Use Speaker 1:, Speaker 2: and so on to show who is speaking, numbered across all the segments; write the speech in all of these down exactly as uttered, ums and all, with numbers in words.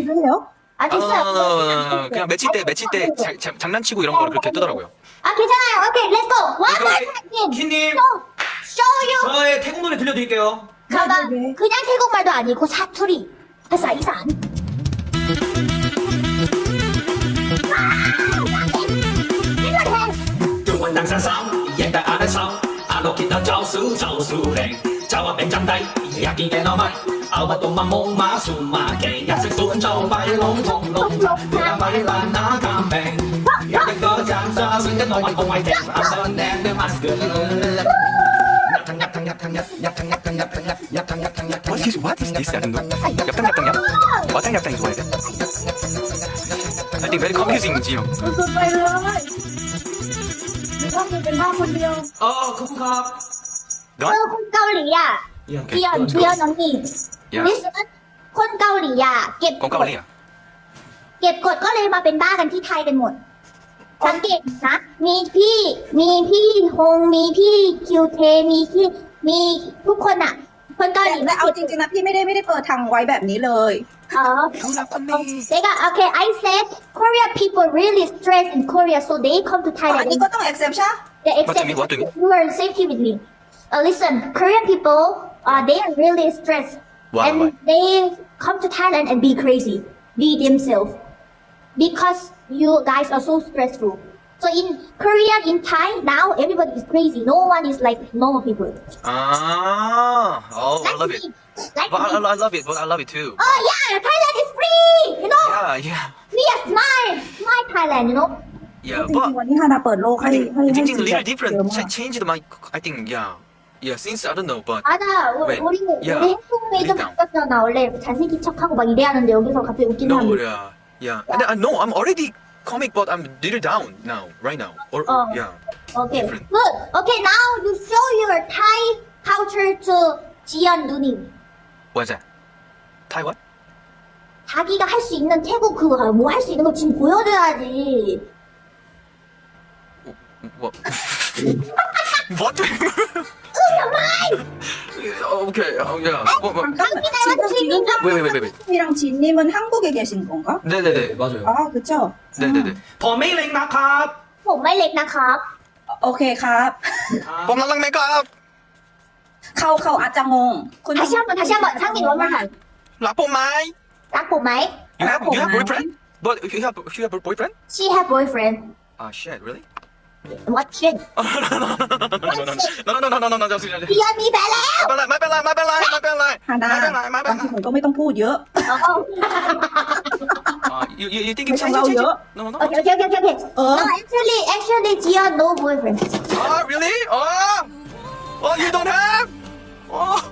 Speaker 1: 좀 해요?
Speaker 2: 아 됐어요.
Speaker 3: 어, 그냥 매치 때 매치 때 자, 자, 장난치고 이런 거를 그렇게 뜨더라고요.
Speaker 2: 아 괜찮아요. 오케이, let's go. One more
Speaker 4: 오케이,
Speaker 2: time.
Speaker 4: 킨님.
Speaker 2: Show, show you.
Speaker 4: 저의 태국 노래 들려드릴게요.
Speaker 2: 가봐.
Speaker 1: 네, 네.
Speaker 2: 그냥 태국말도 아니고 사투리. 회사 이산.
Speaker 5: Tôi quanh đang xa xăm, dạy ta ở sau. Alo kia nó cháu xứ, cháu xứ đèn. Cháu ở bên trong tay, nhà kia kẻ nó mày. Ở mà tụi mà môn má xù mà kẻ. Nhà sẽ xuống cháu bay lông thùng lông. Đưa ta bay là ná cam bèn. Nhà đừng có chạm xa, xuyên cái nồi bằng ngoài thèm. Ở bên đèn đưa mask. Nhặt thằng nhặt thằng nhặt thằng nhặt nhặt thằng nhặt thằng nhặt thằng nhặt nhặt thằng nhặt thằng nhặt.
Speaker 3: What is what is this? I don't know. yap탕 yap탕 yap. yap탕 yap탕 좋아해. I think very confusing, 지영.
Speaker 1: สุดๆไปเลยไม่ต้องเป็นบ้าคนเดียว
Speaker 4: 어, 코코캅.
Speaker 2: เออคนเกาหลีอ่ะเพียนเพียนน้องนี่
Speaker 3: Yeah.
Speaker 2: listen คนเกาหลีอ่ะเก็บ
Speaker 3: 건
Speaker 2: กด
Speaker 3: 까올리야.
Speaker 2: เก็บกดก็เลยมาเป็นบ้ากันที่ไทยกันหมด สังเกตนะ มีพี่ มีพี่ฮง มีพี่คิวเท มีพี่ มีทุกคนอ่ะ คนเกาหลี
Speaker 1: แต่เอาจริงๆนะพี่ไม่ได้ไม่ได้เปิดทางไว้แบบนี้เลย
Speaker 2: อ๋อ they got okay I said Korea people really stress in Korea so they come to
Speaker 1: อัน
Speaker 2: Thailand
Speaker 1: นี้ก็ต้อง accept ใช่
Speaker 2: they
Speaker 3: What do
Speaker 2: accept
Speaker 3: you mean? What do you mean?
Speaker 2: you are safety with me uh, listen Korean people uh, they are really stressed
Speaker 3: Why?
Speaker 2: and
Speaker 3: Why?
Speaker 2: they come to Thailand and be crazy be themselves because you guys are so stressful so in Korea in Thai now everybody is crazy no one is like normal people
Speaker 3: Ah, oh, I
Speaker 2: like
Speaker 3: love
Speaker 2: me
Speaker 3: it.
Speaker 2: like
Speaker 3: But I,
Speaker 2: me
Speaker 3: I love it. But I love it too.
Speaker 2: oh yeah Thailand is free you know
Speaker 3: Yeah, yeah,
Speaker 2: we are smile smile Thailand you know
Speaker 3: yeah.
Speaker 1: จริง
Speaker 3: But
Speaker 1: ๆวันนี้ฮานาเปิดโลกให้
Speaker 3: I
Speaker 1: ให้
Speaker 3: think
Speaker 1: ให้
Speaker 3: 징징
Speaker 1: สี
Speaker 3: little
Speaker 1: แบบ
Speaker 3: different.
Speaker 1: เยอะมาก
Speaker 3: Ch- changed my. I think yeah, yeah. Since I don't know, but
Speaker 2: 맞아. 우-
Speaker 3: Wait,
Speaker 2: 우리
Speaker 3: yeah.
Speaker 2: 우리 행동이 좀
Speaker 3: Breakdown.
Speaker 2: 바뀌었잖아. 원래 잘생긴 척하고 막 이래야 하는데 여기서 갑자기 웃긴
Speaker 3: no,
Speaker 2: 사람.
Speaker 3: yeah, yeah. And I know I'm already comic, but I'm little down now, right now. Or
Speaker 2: Oh.
Speaker 3: yeah.
Speaker 2: Okay.
Speaker 3: different.
Speaker 2: Good. Okay. Now you show your Thai culture to 지연 누님.
Speaker 3: What's that? Taiwan?
Speaker 2: 자기가 할 수 있는 태국 그거 뭐 할 수 있는 거 지금 보여줘야지.
Speaker 3: What? what? okay. Oh yeah. What, what?
Speaker 1: 잠깐만
Speaker 2: 닮은
Speaker 1: 지금 지금
Speaker 3: Wait, wait, wait, wait.
Speaker 1: 이랑 진님은 한국에 계신 건가?
Speaker 3: 네네네.
Speaker 4: 맞아요.
Speaker 1: 아 그쵸?
Speaker 3: 네네네.
Speaker 4: 범메이랭 나캅.
Speaker 2: ผมไม่เล็กนะครับ
Speaker 1: โอเคครับ
Speaker 3: 뽐랄랑 메이크업.
Speaker 1: เข้าเข้าอาจจะงงคุณ
Speaker 2: 다시 한번 다시 한번 상민 원만 한.
Speaker 3: 라포마이.
Speaker 2: รักผมไหม
Speaker 3: You have you have boyfriend? But you have you have a boyfriend?
Speaker 2: She have boyfriend.
Speaker 3: Ah shit, really?
Speaker 2: What shit?
Speaker 3: no, no, no, no, no, no, no, no, no, just.
Speaker 2: เจียนมีแฟนแล้ว
Speaker 3: ไม่เป็นไรไม่เป็นไรไม่เป็นไร
Speaker 1: ฮานา
Speaker 3: ไม่เป็นไรไม่เป็น
Speaker 1: บาง
Speaker 3: ไร
Speaker 1: ทีผมก็ไม่ต้องพูดเยอะ
Speaker 2: 어.
Speaker 3: Ah, you you you think
Speaker 1: May
Speaker 3: it's change
Speaker 1: panglaw
Speaker 3: change?
Speaker 1: yun?
Speaker 3: No, no.
Speaker 2: Okay, okay, okay, okay, okay.
Speaker 1: Uh.
Speaker 2: No, actually, actually, Jian no boyfriend.
Speaker 3: Ah, really? Oh, oh, you don't have? Oh,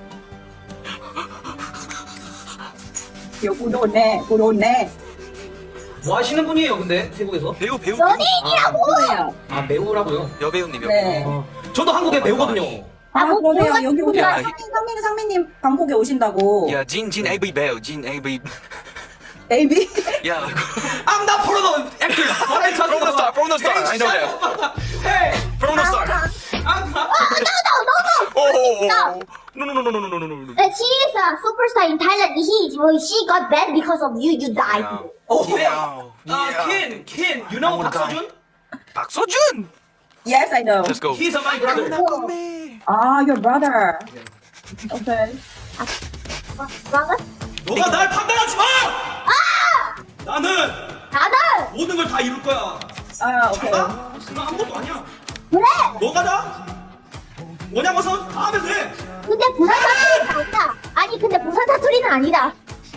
Speaker 1: เดี๋ยวกูโดนแน่กูโดนแน่
Speaker 4: 뭐 하시는 분이에요, 근데 태국에서?
Speaker 3: 배우 배우.
Speaker 2: 연예인이라고.
Speaker 1: 뭐예요?
Speaker 4: 아 배우라고요?
Speaker 3: 여배우님 여배우.
Speaker 1: 네.
Speaker 4: 어, 저도 한국에 배우거든요.
Speaker 1: 아
Speaker 2: 뭐
Speaker 1: 그러세요
Speaker 2: 배우가
Speaker 1: 여기 오세요
Speaker 3: 야,
Speaker 1: 상민 상민 상민님 방콕에 오신다고
Speaker 3: Yeah, Jin Jin A V 배우 Jin A V.
Speaker 1: 베이비
Speaker 3: Yeah.
Speaker 4: I'm not porno actor. What are you talking
Speaker 3: From the star,
Speaker 4: about?
Speaker 3: from the star. I know that.
Speaker 4: Hey,
Speaker 3: From the start.
Speaker 4: I'm not.
Speaker 2: No, no, no, no.
Speaker 3: Oh. No, no, no, no, no, no, no, no, no.
Speaker 2: Uh, she is a superstar in Thailand. He, well, she got banned because of you. You died.
Speaker 3: Yeah.
Speaker 4: Oh,
Speaker 3: Yeah.
Speaker 4: Uh, Kin, Kin, you know
Speaker 3: I wanna
Speaker 4: Park Seo-joon?
Speaker 3: 박서준.
Speaker 1: Yes I know
Speaker 3: Let's go.
Speaker 4: He's a my brother.
Speaker 1: 아 your brother okay
Speaker 2: 뭐가?
Speaker 4: 너가 날 판단하지 마! 나는
Speaker 2: 나는
Speaker 4: 모든 걸 다 이룰 거야.
Speaker 1: 아 오케이
Speaker 4: 나? 나 아무것도 아니야.
Speaker 2: 그래.
Speaker 4: 너가 나? 뭐냐고서 다 하면 돼.
Speaker 2: 근데 부산 사투리는 아니다. 아니, 근데 부산 사투리는 아니다.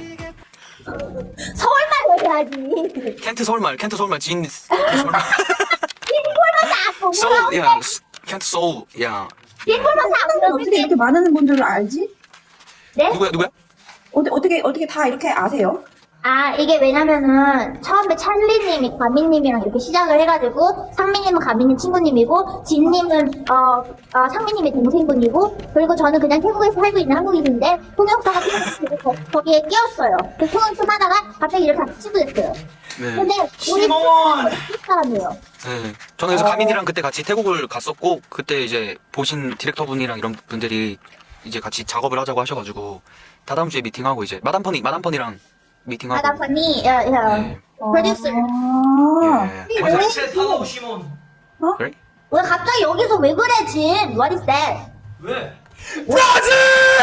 Speaker 2: 서울말로 해야지.
Speaker 3: 켄트 서울말, 켄트 서울말, 진 서울말.
Speaker 2: 빈골만 싹
Speaker 3: 소울, 야, 켄트 소울, 야.
Speaker 2: 빈골만 싹
Speaker 1: 어떻게 이렇게 많은 분들을 알지?
Speaker 2: 네?
Speaker 3: 누구야, 누구야?
Speaker 1: 어떻게 어떻게 어떻게 다 이렇게 아세요?
Speaker 2: 아, 이게 왜냐면은, 처음에 찰리님이 가민님이랑 이렇게 시작을 해가지고, 상민님은 가민님 친구님이고, 진님은, 어, 어, 상민님의 동생분이고, 그리고 저는 그냥 태국에서 살고 있는 한국인인데, 통역사가 필요해서 거- 거기에 끼었어요. 그 통역 좀 하다가 갑자기 이렇게 같이 됐어요.
Speaker 3: 네.
Speaker 2: 근데, 우리
Speaker 4: 시몬!
Speaker 2: 태국 사람이에요.
Speaker 3: 네. 저는 그래서 가민이랑 그때 같이 태국을 갔었고, 그때 이제 보신 디렉터분이랑 이런 분들이 이제 같이 작업을 하자고 하셔가지고, 다다음 주에 미팅하고 이제, 마담펀이, 마담펀이랑 미팅하고.
Speaker 2: 마담 퍼니, 어, 어,
Speaker 3: 네.
Speaker 2: 프로듀서.
Speaker 3: 예.
Speaker 2: 왜
Speaker 3: 맞아.
Speaker 4: 제 팔로우 시몬.
Speaker 3: 그래?
Speaker 2: 왜 갑자기 여기서 왜 그래, 진? What is that?
Speaker 4: 왜?
Speaker 3: 브라질!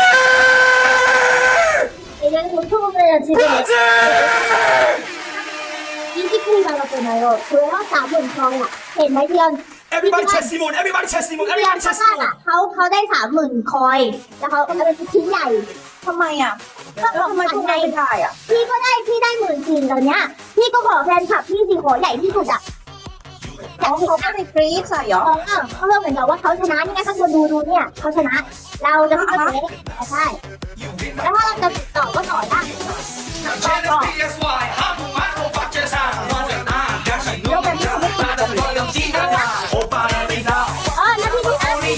Speaker 2: 예전에 전초보면 지금 인기풀이 받았잖아요. 그래요? 남은 저야. 네, 말이면
Speaker 4: Everybody chest 시몬. Everybody chest 시몬.
Speaker 2: เรียน
Speaker 4: Everybody
Speaker 2: ชาว
Speaker 4: chest
Speaker 2: บ้าน
Speaker 4: 시몬.
Speaker 2: อ่ะเขาเขาได้สามหมื่นคอยแล้วเขาเอาไปเป็นชิ้นใหญ่
Speaker 1: ทำไมอ่ะ
Speaker 2: ก็
Speaker 1: แล้วทำไมพวกเราไม่ได้อ่ะ
Speaker 2: พี่ก็ได้พี่ได้หมื่นสี่ตอนเนี้ยพี่ก็ขอแฟนคลับพี่สิขอใหญ่ที่สุดอ่ะ
Speaker 1: เขาเขาไม่ได้กรี๊ดใส่เหรอ
Speaker 2: เขาเออเขาเริ่มเหมือนกับว่าเขาชนะนี่ไงข้างบนดูดูเนี่ยเขาชนะ เราจะเข้าไปใช่แล้วถ้าเราจะติดต่อก็ต่อได้ 아, 나 피디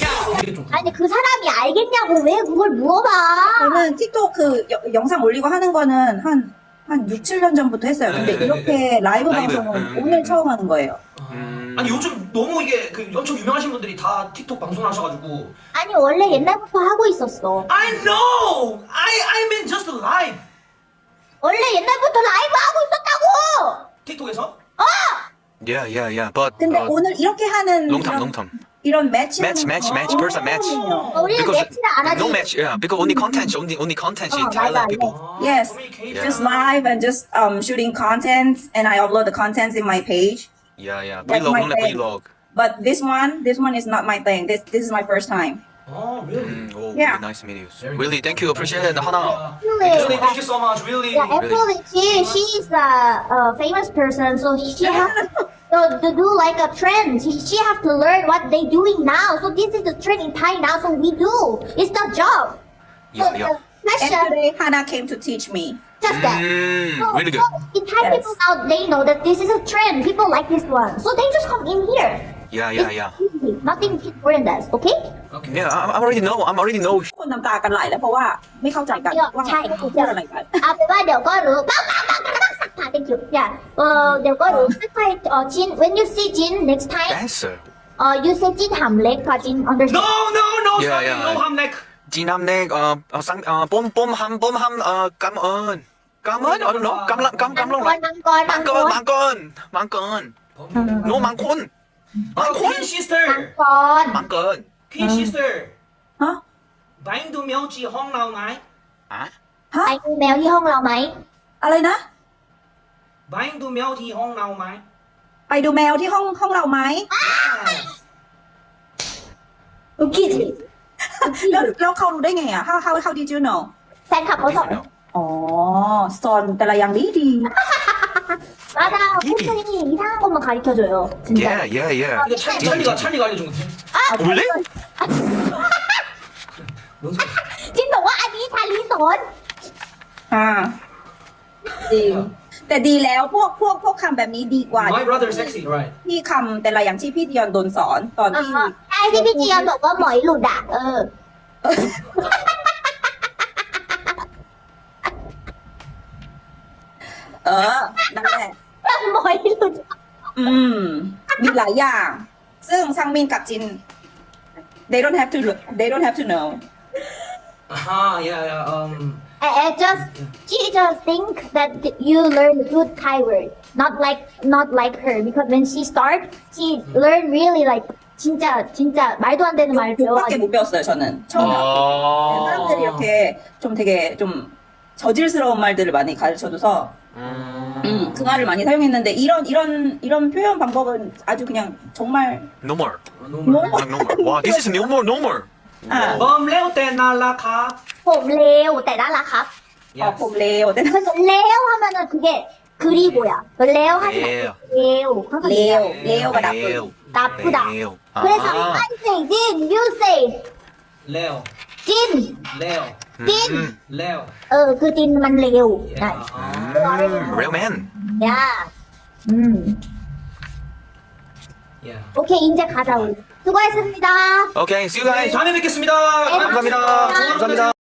Speaker 2: 아니 그 사람이 알겠냐고 왜 그걸 물어봐?
Speaker 1: 저는 틱톡 그 여- 영상 올리고 하는 거는 한, 한 육, 칠 년 전부터 했어요. 근데
Speaker 4: 네,
Speaker 1: 이렇게 라이브
Speaker 3: 라이브,
Speaker 1: 방송은
Speaker 3: 음.
Speaker 1: 오늘 처음 하는 거예요.
Speaker 3: 음.
Speaker 4: 아니 요즘 너무 이게 그 엄청 유명하신 분들이 다 틱톡 방송을 하셔가지고.
Speaker 2: 아니 원래 옛날부터 하고 있었어.
Speaker 4: I know. I I mean just live.
Speaker 2: 원래 옛날부터 라이브 하고 있었다고.
Speaker 4: 틱톡에서?
Speaker 3: Yeah, yeah, yeah. But
Speaker 1: 근데
Speaker 3: uh,
Speaker 1: 오늘 이렇게 하는
Speaker 3: long time,
Speaker 1: 이런,
Speaker 3: long time.
Speaker 1: 이런 매치
Speaker 3: Match, match, match, person match.
Speaker 2: 어, 우리는 매치를 안 하지.
Speaker 3: no match, yeah. Because only content, only only content in
Speaker 2: 어, 맞아,
Speaker 3: Thailand people.
Speaker 4: 아,
Speaker 1: Yes.
Speaker 4: 커뮤니케이션.
Speaker 1: just live and just um shooting content and I upload the contents in my page.
Speaker 3: Yeah, yeah.
Speaker 1: That's
Speaker 3: Vlog,
Speaker 1: my
Speaker 3: only
Speaker 1: thing.
Speaker 3: vlog.
Speaker 1: But this one, this one is not my thing. This this is my first time.
Speaker 4: Oh, really?
Speaker 3: Mm, oh,
Speaker 1: Yeah.
Speaker 3: really nice videos.
Speaker 4: Very good.
Speaker 3: Really, thank you. Appreciate it. 하나.
Speaker 4: Really, thank you so much. Really.
Speaker 2: Yeah, actually, she she is a, a famous person, so she has to, to do like a trend. She, she have to learn what they doing now. So this is the trend in Thai now. So we do. It's the job. So
Speaker 3: Yeah, yeah.
Speaker 2: the
Speaker 1: And
Speaker 2: fashion,
Speaker 1: today Hannah came to teach me.
Speaker 2: just that.
Speaker 3: Mm,
Speaker 2: So,
Speaker 3: really good.
Speaker 2: so in Thai
Speaker 1: Yes.
Speaker 2: people now they know that this is a trend. People like this one, so they just come in here.
Speaker 3: Yeah, yeah, yeah.
Speaker 2: It's easy. Nothing more than that. Okay?
Speaker 4: Okay.
Speaker 3: Yeah, I, I already know. I'm already know.
Speaker 1: คนน้ำตากันไหลแล้วเพราะว่าไม่เข้าใจกัน
Speaker 2: เดี๋ยว
Speaker 1: ว่า
Speaker 2: ใช่
Speaker 1: เขาพูดอะไรกัน
Speaker 2: เอาเป็นว่าเดี๋ยวก็รู้ปังปังปังปังปังสักผ่า thank you yeah เออเดี๋ยวก็รู้ค่อยๆเออจิน when you see Jin next time
Speaker 3: Dancer.
Speaker 2: เออ you say จินหำเล็กค่ะจิน understand
Speaker 4: No, no, no.
Speaker 3: Yeah,
Speaker 4: sorry,
Speaker 3: yeah.
Speaker 4: no hamnek.
Speaker 3: 진함넥 어, 어, 쌍, 어, 뽐, 뽐함, 뽐함, 어, 감언. 감언? I don't know. 감랑, 감,
Speaker 2: มัง
Speaker 3: 감랑,
Speaker 2: กรมังกรมังกร
Speaker 3: 망건, 망건, 망건. No, 망콘.
Speaker 4: 아,
Speaker 3: 망콘.
Speaker 4: Queen sister.
Speaker 2: มังกร
Speaker 3: 망건.
Speaker 4: Queen sister.
Speaker 1: ฮะ
Speaker 4: 바인드 묘지 홍라우나이.
Speaker 3: 아?
Speaker 2: ไปดูแมวที่ห้องเราไหม
Speaker 1: อะไรนะ
Speaker 4: 바인드 묘지 홍라우나이.
Speaker 1: ไปดูแมวที่ห้องห้องเราไหม
Speaker 2: อุกิจิ
Speaker 1: แล้วแล้วเขารู้ได้ไงอ่ะ how how how did you know
Speaker 2: แฟนคลับเขาสอน
Speaker 1: อ๋อสอนแต่ละอย่างดีดี
Speaker 2: 맞아 팬들이 이상한 것만 가르쳐줘요 진짜
Speaker 3: Yeah, yeah, yeah.
Speaker 4: 이거 찰, 찰리가 찰리가 알려준 거지.
Speaker 3: 어, 원래?
Speaker 4: 뭔 소리야?
Speaker 2: จินบอกว่าอันนี้ชาลีสอน
Speaker 1: อ่าจริงแต่ดีแล้วพวกพวกพวกคำแบบนี้ดีกว่า
Speaker 4: My brother sexy, right?
Speaker 1: ที่คำแต่ละอย่างที่พี่ดิยอนโดนสอนตอน
Speaker 2: เอ
Speaker 1: ที่
Speaker 2: อไอ้ที่พี่เจียนบอกว่าหมอยหลุดอ่ะเออ
Speaker 1: เออนั่นแหละ
Speaker 2: หมอยหลุด
Speaker 1: อืม มีหลายอย่าง ซึ่งซังมินกับจิน they don't have to they don't have to know
Speaker 4: Ah, yeah, yeah. Um,
Speaker 2: I, I just she just think that you learn good Thai word not like not like her because when she start she learn really like 진짜 진짜 말도 안 되는 말
Speaker 1: 그밖에
Speaker 2: 배워가지고
Speaker 1: 못 배웠어요 저는 처음
Speaker 3: 어.
Speaker 1: 사람들이 이렇게 좀 되게 좀 저질스러운 말들을 많이 가르쳐줘서
Speaker 3: 음.
Speaker 1: 음, 그 말을 많이 사용했는데 이런 이런 이런 표현 방법은 아주 그냥 정말
Speaker 3: No more.
Speaker 4: normal.
Speaker 3: 아, no more. 와, this is no more, no more.
Speaker 1: 아,
Speaker 4: 범 레오 때 날라가.
Speaker 2: ผมเลวแต่น่ารักครับ
Speaker 1: 어, 봄 레오 때
Speaker 2: เลว 하면은 그게 그리고야 레오 하지
Speaker 3: 레오.
Speaker 2: 말고 레오 항상
Speaker 1: 레오 레오가 나쁜
Speaker 3: 레오.
Speaker 2: 나쁘다
Speaker 3: 레오.
Speaker 2: 그래서
Speaker 3: 아.
Speaker 2: I say Jin you say
Speaker 4: 레오.
Speaker 2: Jin
Speaker 4: 레오.
Speaker 2: Jin
Speaker 3: 음.
Speaker 4: 레오.
Speaker 2: เออคือจินมันเลว
Speaker 4: Yeah.
Speaker 2: ได้
Speaker 3: 음, real man.
Speaker 2: 야 음
Speaker 4: Yeah.
Speaker 2: 오케이 이제 가자 우리 수고했습니다
Speaker 3: Okay, see you guys.
Speaker 4: 다음에 뵙겠습니다.
Speaker 2: 네,
Speaker 4: 감사합니다.
Speaker 2: 감사합니다.
Speaker 4: 감사합니다.